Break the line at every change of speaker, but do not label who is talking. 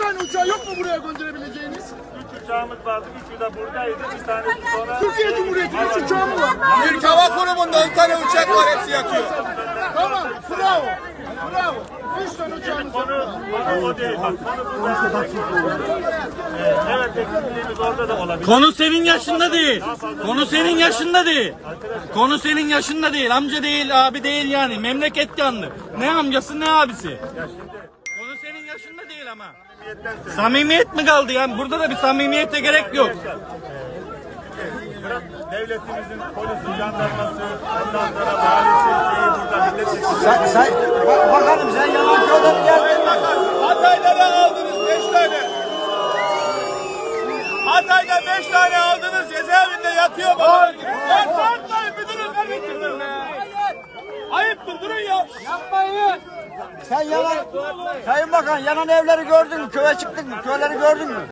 tane uçağı yok mu buraya gönderebileceğiniz?
3 uçağımız vardı. 3'ü de buradaydı. Bir tanesi sonra...
Türkiye Cumhuriyeti'nin 3 uçağı mı var?
Türk Hava Kurumu'nda 10 tane uçak var, hepsi yakıyor.
Tamam, bravo. Bravo. 3 tane uçağımız var.
Konu o değil. Bak, konu burada. Evet, eksikliğimiz orada da olabilir.
Konu senin yaşında değil. Konu senin yaşında değil. Konu senin yaşında değil. Amca değil, abi değil yani. Memleket yandı. Ne amcası ne abisi. Konu senin yaşında değil ama. Samimiyet mi kaldı yani? Burada da bir samimiyete gerek yok.
Devletimizin polisi, jandarması, ondan sonra valisi, burada milletvekili.
Bakalım sen yalan söyledin geldin.
Hatay'da aldınız 5 tane. Hatay'da 5 tane aldınız, cezaevinde yatıyor baba. Ya sarkmayın müdürüm, kardeşim. Ayıptır, durun ya.
Yapmayın. Sen yalan, Sayın Bakan yanan evleri gördün mü? Köye çıktın mı? Köyleri gördün mü?